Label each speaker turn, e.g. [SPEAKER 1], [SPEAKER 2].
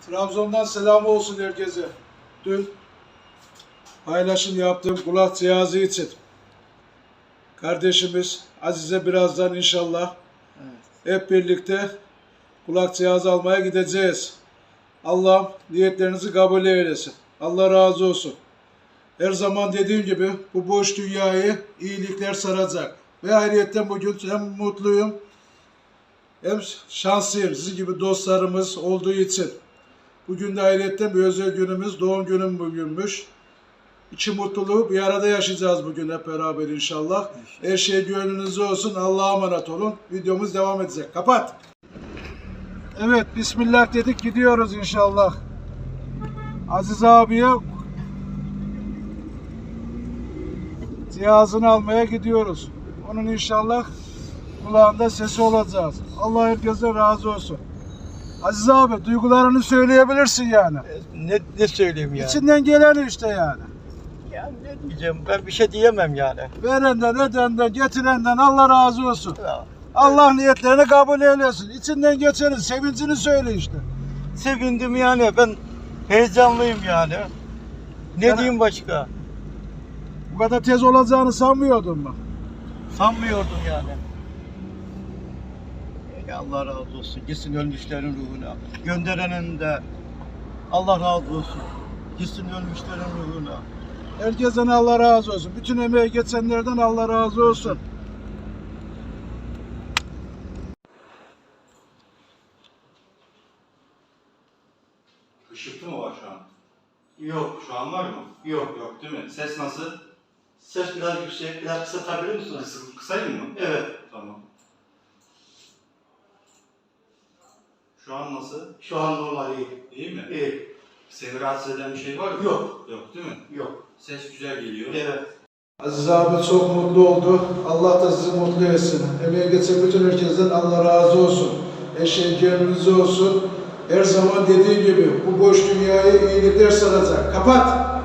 [SPEAKER 1] Trabzon'dan selam olsun herkese. Dün paylaşım yaptığım kulak cihazı için kardeşimiz Azize birazdan inşallah hep birlikte kulak cihazı almaya gideceğiz. Allah'ım niyetlerinizi kabul eylesin. Allah razı olsun. Her zaman dediğim gibi bu boş dünyayı iyilikler saracak. Ve ayrıca bugün hem mutluyum hem şanslıyım sizin gibi dostlarımız olduğu için. Bugün de ayrıca bir özel günümüz, doğum günüm bugünmüş. İçi mutluluğu bir arada yaşayacağız bugün hep beraber inşallah. Her şey gönlünüzde olsun. Allah'a emanet olun. Videomuz devam edecek. Kapat. Evet, Bismillah dedik gidiyoruz inşallah. Aziz abiye cihazını almaya gidiyoruz. Onun inşallah kulağında sesi olacağız. Allah herkese razı olsun. Aziz abi duygularını söyleyebilirsin yani.
[SPEAKER 2] Ne söyleyeyim yani?
[SPEAKER 1] İçinden geleni işte yani.
[SPEAKER 2] Yani ne diyeceğim? Ben bir şey diyemem yani.
[SPEAKER 1] Verenden, edenden, getirenden Allah razı olsun.
[SPEAKER 2] Ya,
[SPEAKER 1] Allah niyetlerini kabul eylesin. İçinden geçeni, sevincini söyle işte.
[SPEAKER 2] sevindim yani. Ben heyecanlıyım yani. Ne
[SPEAKER 1] Yani-
[SPEAKER 2] diyeyim başka?
[SPEAKER 1] Bu kadar tez olacağını sanmıyordum ben.
[SPEAKER 2] Sanmıyordum yani. Allah razı olsun. Gitsin ölmüşlerin ruhuna. Gönderenin de Allah razı olsun. Gitsin ölmüşlerin ruhuna.
[SPEAKER 1] Herkesten Allah razı olsun. Bütün emeği geçenlerden Allah razı olsun.
[SPEAKER 3] Işıklı mı var şu an?
[SPEAKER 2] Yok.
[SPEAKER 3] Şu an var mı?
[SPEAKER 2] Yok.
[SPEAKER 3] Yok değil mi? Ses nasıl?
[SPEAKER 2] Ses biraz yüksek. Biraz kısatabilir misiniz?
[SPEAKER 3] Kısayım mı?
[SPEAKER 2] Evet.
[SPEAKER 3] Tamam. Şu an nasıl?
[SPEAKER 2] Şu an normal iyi.
[SPEAKER 3] İyi mi?
[SPEAKER 2] İyi.
[SPEAKER 3] Seni rahatsız eden bir şey var mı?
[SPEAKER 2] Yok.
[SPEAKER 3] Yok değil mi?
[SPEAKER 2] Yok.
[SPEAKER 3] Ses güzel geliyor.
[SPEAKER 2] Evet.
[SPEAKER 1] Aziz abi çok mutlu oldu. Allah da sizi mutlu etsin. Emeği geçen bütün herkesten Allah razı olsun. Her şey gönlünüzde olsun. Her zaman dediği gibi bu boş dünyayı iyilikler saracak. Kapat!